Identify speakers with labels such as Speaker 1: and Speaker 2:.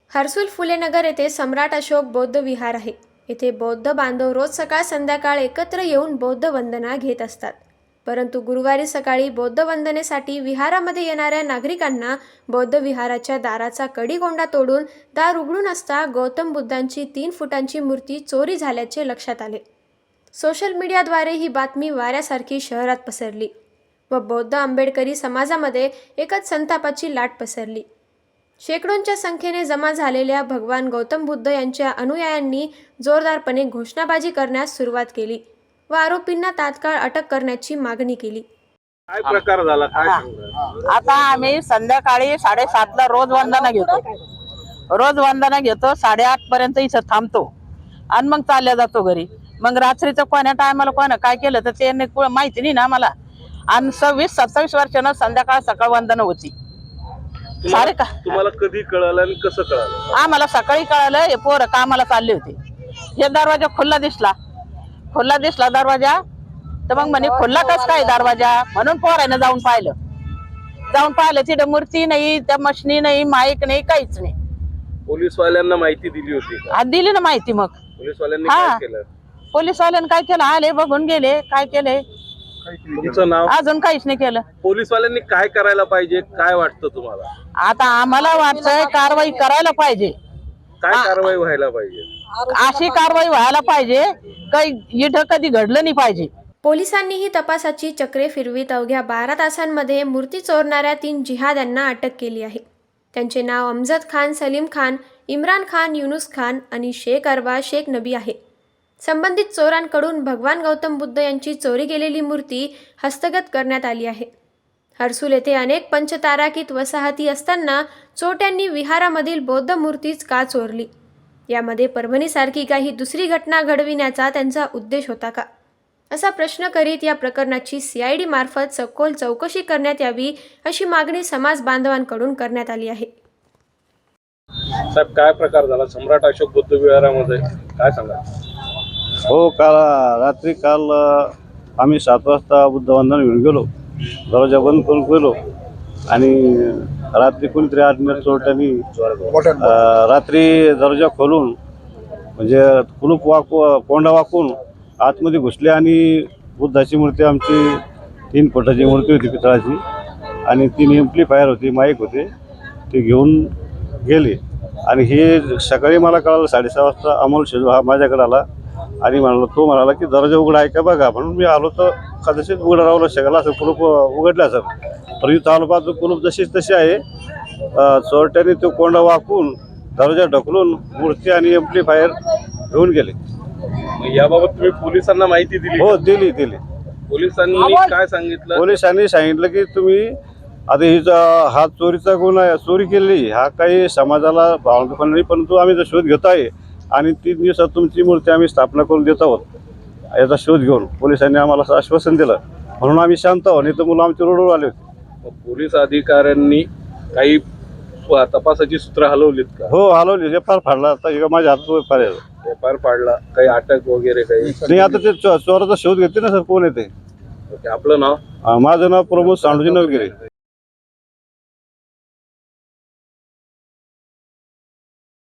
Speaker 1: हर्सुल फुलेनगर येथे सम्राट अशोक बौद्ध विहार आहे। येथे बौद्ध बांधव रोज सकाळ संध्याकाळ एकत्र येऊन बौद्ध वंदना घेत असतात। परंतु गुरुवारी सकाळी बौद्ध वंदनेसाठी विहारामध्ये येणाऱ्या नागरिकांना बौद्ध विहाराच्या दाराचा कडिगोंडा तोडून दार उघडून असता गौतम बुद्धांची 3 फुटांची मूर्ती चोरी झाल्याचे लक्षात आले। सोशल मीडियाद्वारे ही बातमी वाऱ्यासारखी शहरात पसरली व बौद्ध आंबेडकरी समाजामध्ये एकच संतापाची लाट पसरली। शेकडोंच्या संख्येने जमा झालेल्या भगवान गौतम बुद्ध यांच्या अनुयायांनी जोरदारपणे घोषणाबाजी करण्यास सुरुवात केली व आरोपींना तात्काळ अटक करण्याची मागणी केली।
Speaker 2: काय प्रकार झाला काय सांगता?
Speaker 3: आता आम्ही संध्याकाळी 7:30 ला रोज वंदना घेतो। 8:30 पर्यंत इथं थांबतो आणि मग चालल्या जातो घरी। मग रात्रीचं कोण्या टायमाला कोणा काय केलं तर ते माहिती नाही ना मला। आणि 26-27 वर्षांना संध्याकाळ सकाळ वंदना होती। सारे का
Speaker 2: तुम्हाला कधी कळालं आणि कसं कळालं?
Speaker 3: आम्हाला सकाळी कळालं, हे पोरं कामाला चालले होते। हे दरवाजा खुल्ला दिसला दरवाजा, तर मग म्हणे खुल्ला कस काय दरवाजा, म्हणून पोरानं जाऊन पाहिलं तिथे मूर्ती नाही, त्या मशनी नाही, माईक नाही, काहीच नाही।
Speaker 2: पोलीसवाल्यांना माहिती दिली होती का?
Speaker 3: दिली ना माहिती। मग
Speaker 2: पोलीसवाल्यांनी काय केलं?
Speaker 3: पोलीसवाल्यांनी काय केलं, आले बघून गेले, काय केले
Speaker 2: तुमचं नाव?
Speaker 3: अजून काहीच नाही केलं।
Speaker 2: पोलीसवाल्यांनी काय करायला पाहिजे, काय वाटतं तुम्हाला?
Speaker 3: आता आम्हाला वाटतंय कारवाई करायला पाहिजे।
Speaker 2: काय कारवाई व्हायला पाहिजे?
Speaker 3: अशी कारवाई व्हायला पाहिजे, काही इथं कधी घडलं नाही पाहिजे।
Speaker 1: पोलिसांनीही तपासाची चक्रे फिरवीत अवघ्या 12 तासांमध्ये मूर्ती चोरणाऱ्या 3 जिहाद्यांना अटक केली आहे। त्यांचे नाव अमजद खान, सलीम खान, इम्रान खान, युनुस खान आणि शेख अरबा शेख नबी आहे। संबंधित चोरांकडून भगवान गौतम बुद्ध यांची चोरी गेलेली मूर्ती हस्तगत करण्यात आली आहे। हर्सुल येथे अनेक पंचताराकीत वसाहती असताना चोरट्यांनी विहारामधील बौद्ध मूर्तीच का चोरली? यामध्ये परभणीसारखी काही दुसरी घटना घडविण्याचा त्यांचा उद्देश होता का, असा प्रश्न करीत या प्रकरणाची CID मार्फत सखोल चौकशी करण्यात यावी अशी मागणी समाज बांधवांकडून करण्यात आली आहे।
Speaker 2: साहेब काय प्रकार झाला सम्राट अशोक बुद्ध विहारामध्ये, काय सांगा?
Speaker 4: हो, काल आम्ही 7 वाजता बुद्ध वंदना घेऊन गेलो, दरवाजा बंद करून गेलो आणि रात्री कोणीतरी आत्मीय चोरट्यांनी रात्री दरवाजा खोलून म्हणजे कोंडा वाकून आतमध्ये घुसले आणि बुद्धाची मूर्ती, आमची 3 फुटाची मूर्ती होती पितळाची आणि 3 एम्प्लिफायर होती, माईक होते, ते घेऊन गेले। आणि हे सकाळी मला कळालं 6:30 वाजता अमोल शेजू हा माझ्याकडे आला आणि तो म्हणाला की दरवाजा उघडा आहे का बघा। म्हणून मी आलो तर कदाचित उघडा राहू शकला असं, कुलूप उघडलं असं, पण इथं आलो पाहतो कुलूप जशीच तशी आहे। चोरट्याने तो कोंडा वाकून दरवाजा ढकलून मूर्ती आणि एम्प्लिफायर घेऊन गेले।
Speaker 2: याबाबत तुम्ही पोलिसांना माहिती दिली?
Speaker 4: हो, दिली।
Speaker 2: पोलिसांनी काय सांगितलं?
Speaker 4: पोलिसांनी सांगितलं की तुम्ही आता हा चोरीचा गुन्हा आहे, चोरी केली, हा काही समाजाला भावना नाही, परंतु आम्ही जो शोध घेत आहे आणि 3 दिवसात तुमची मूर्ती आम्ही स्थापना करून देत आहोत याचा शोध घेऊन पोलिसांनी आम्हाला आश्वासन दिलं, म्हणून आम्ही शांत आहोत, नाही तर मुलं आमच्या रोडवर आले होते।
Speaker 2: पोलीस अधिकाऱ्यांनी काही तपासाची सूत्र हलवलीत का?
Speaker 4: हो, हलवली, FIR फाडला, आता माझ्या हातात
Speaker 2: FIR फाडला, काही अटक वगैरे काही
Speaker 4: नाही। आता ते चोराचा शोध घेते ना सर, कोण येते?
Speaker 2: आपलं नाव?
Speaker 4: माझं नाव प्रमोद सांडूजी नवगिरे।